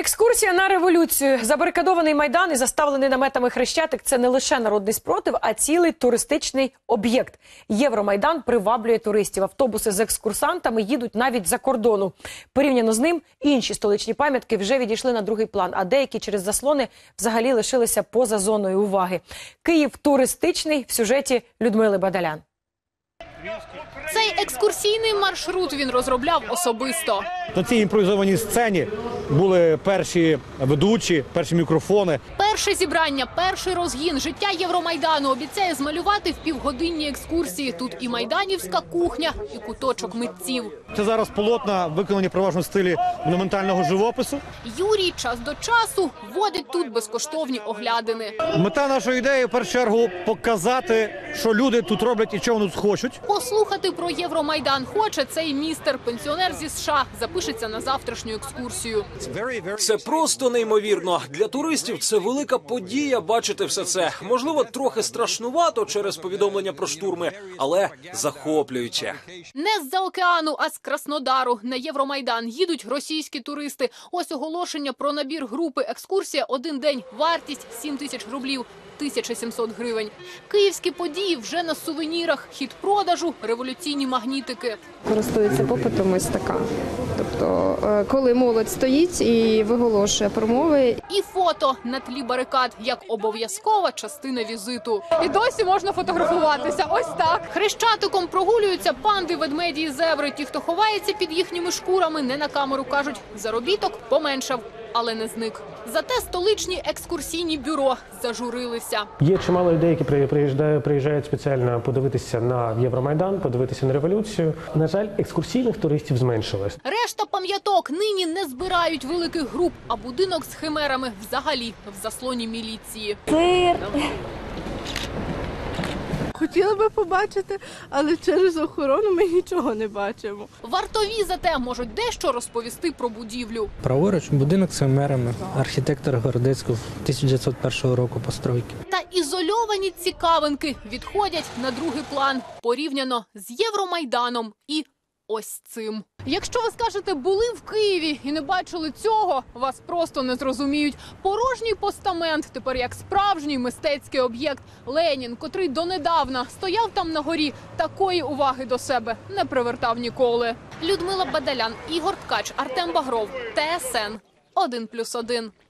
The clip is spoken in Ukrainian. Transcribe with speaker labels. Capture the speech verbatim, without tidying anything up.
Speaker 1: Екскурсія на революцію. Забарикадований Майдан і заставлений наметами Хрещатик – це не лише народний спротив, а цілий туристичний об'єкт. Євромайдан приваблює туристів. Автобуси з екскурсантами їдуть навіть за кордону. Порівняно з ним, інші столичні пам'ятки вже відійшли на другий план, а деякі через заслони взагалі лишилися поза зоною уваги. Київ туристичний в сюжеті Людмили Бадалян.
Speaker 2: Цей екскурсійний маршрут він розробляв особисто.
Speaker 3: На цій імпровізованій сцені були перші ведучі, перші мікрофони.
Speaker 2: Перше зібрання, перший розгін, життя Євромайдану обіцяє змалювати в півгодинні екскурсії. Тут і майданівська кухня, і куточок митців.
Speaker 3: Це зараз полотна, виконані переважно в стилі монументального живопису.
Speaker 2: Юрій час до часу водить тут безкоштовні оглядини.
Speaker 3: Мета нашої ідеї, в першу чергу, показати, що люди тут роблять і чого вони тут хочуть.
Speaker 2: Послухати про Євромайдан хоче цей містер, пенсіонер зі США, запишеться на завтрашню екскурсію.
Speaker 4: Це просто неймовірно. Для туристів це велика подія бачити все це. Можливо, трохи страшнувато через повідомлення про штурми, але захоплююче.
Speaker 2: Не з-за океану, а з Краснодару на Євромайдан їдуть російські туристи. Ось оголошення про набір групи. Екскурсія один день. Вартість сім тисяч рублів. тисяча сімсот гривень. Київські події вже на сувенірах. Хід продажу, революційні магнітики.
Speaker 5: Користується попитом ось така. Тобто, коли молодь стоїть і виголошує промови.
Speaker 2: І фото на тлі барикад, як обов'язкова частина візиту. І досі можна фотографуватися. Ось так. Хрещатиком прогулюються панди, ведмеді і зебри. Ті, хто ховається під їхніми шкурами, не на камеру кажуть, заробіток поменшав, але не зник. Зате столичні екскурсійні бюро зажурилися.
Speaker 6: Є чимало людей, які приїжджають, приїжджають спеціально подивитися на Євромайдан, подивитися на революцію. На жаль, екскурсійних туристів зменшилось.
Speaker 2: Решта пам'яток нині не збирають великих груп, а будинок з химерами взагалі в заслоні міліції.
Speaker 7: Цирк.
Speaker 8: Хотіла би побачити, але через охорону ми нічого не бачимо.
Speaker 2: Вартові зате можуть дещо розповісти про будівлю.
Speaker 9: Праворуч будинок з химерами, архітектор Городецького тисяча дев'ятсот першого року постройки.
Speaker 2: Та ізольовані цікавинки відходять на другий план порівняно з Євромайданом і ось цим. Якщо ви скажете, були в Києві і не бачили цього, вас просто не зрозуміють. Порожній постамент тепер як справжній мистецький об'єкт. Ленін, котрий донедавна стояв там на горі, такої уваги до себе не привертав ніколи. Людмила Бадалян, Ігор Ткач, Артем Багров, Т С Н один плюс один.